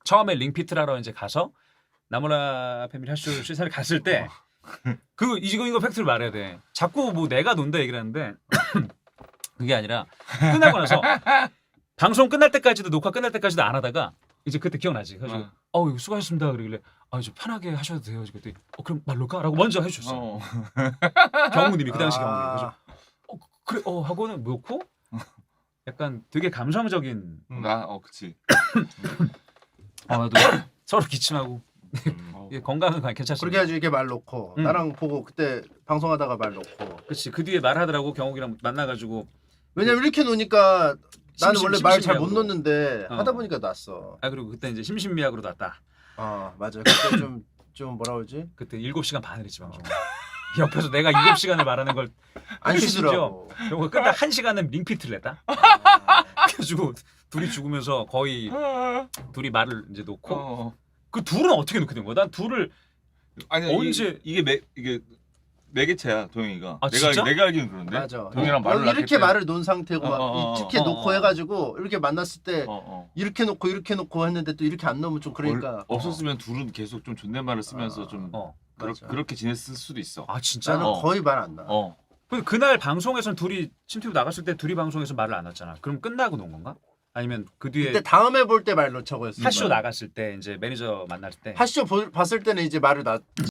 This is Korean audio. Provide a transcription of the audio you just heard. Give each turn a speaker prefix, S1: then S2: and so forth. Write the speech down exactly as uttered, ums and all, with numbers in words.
S1: 처음에 링피트라러 이제 가서 나무라 패밀리 하쇼 시사를 갔을 때 그 이거 이거 팩트를 말해야 돼. 자꾸 뭐 내가 논다 얘기를 하는데 그게 아니라 끝나고 나서 방송 끝날 때까지도 녹화 끝날 때까지도 안 하다가 이제 그때 기억나지. 그래서 어, 어 수고하셨습니다. 그러길래 아 이제 편하게 하셔도 돼요. 그랬더니 어 그럼 말로까라고 먼저 해주셨어. 어. 경우님이 그 당시 경우님. 그래서 어 그래 어 하고는 놓고 약간 되게 감성적인.
S2: 나 어 그치.
S1: 어 또 서로 기침하고. 이게 건강은 괜찮습니다.
S3: 그렇게 해야지 이렇게 말 놓고
S1: 음.
S3: 나랑 보고 그때 방송하다가 말 놓고.
S1: 그렇지. 그 뒤에 말하더라고 경욱이랑 만나가지고.
S3: 왜냐면 이렇게 노니까 나는
S1: 심심,
S3: 원래 말 잘 못
S1: 심심미약으로.
S3: 놓는데
S1: 어.
S3: 하다 보니까 났어.
S1: 아 그리고 그때 이제 심신미약으로 났다.
S3: 아 맞아. 그때 좀 좀 뭐라 그러지?
S1: 그때 일곱 시간 반을 했지 방송. 옆에서 내가 일곱 시간을 말하는 걸
S3: 안 쉬더라고.
S1: 경우가 끝나 한 시간은 링피트를 했다. 그래가지고 둘이 죽으면서 거의 둘이 말을 이제 놓고
S2: 어.
S1: 그 둘은 어떻게 놓게 된 거야? 난 둘을
S2: 아니
S1: 언제-
S2: 이게 이게 매 이게 매개체야 도영이가.
S1: 아,
S2: 내가
S1: 진짜?
S2: 내가 알기는 그런데.
S3: 맞아.
S2: 도영이랑 말을
S3: 여기 이렇게
S2: 낳기
S3: 말을 놓은 상태고
S2: 어,
S3: 막
S2: 어, 어,
S3: 이렇게
S1: 어,
S3: 놓고
S1: 어.
S3: 해가지고 이렇게 만났을 때
S2: 어, 어.
S3: 이렇게 놓고 이렇게 놓고 했는데 또 이렇게 안 놓으면 좀 그러니까.
S2: 얼- 없었으면 둘은 계속 좀 존댓말을 쓰면서
S3: 어,
S2: 좀
S1: 어.
S2: 그렇,
S3: 맞아.
S2: 그렇게 지냈을 수도 있어.
S1: 아 진짜?
S3: 나는
S2: 어.
S3: 거의 말 안 나.
S2: 어.
S1: 근데 그날 방송에선 둘이 침투브 나갔을 때 둘이 방송에서 말을 안 했잖아. 그럼 끝나고 놓은 건가? 아니면 그 뒤에
S3: 그때 다음에 볼 때 말 놓자고 했어.
S1: 핫쇼 나갔을 때 이제 매니저 만날 때
S3: 핫쇼 보- 봤을 때는 이제 말을 나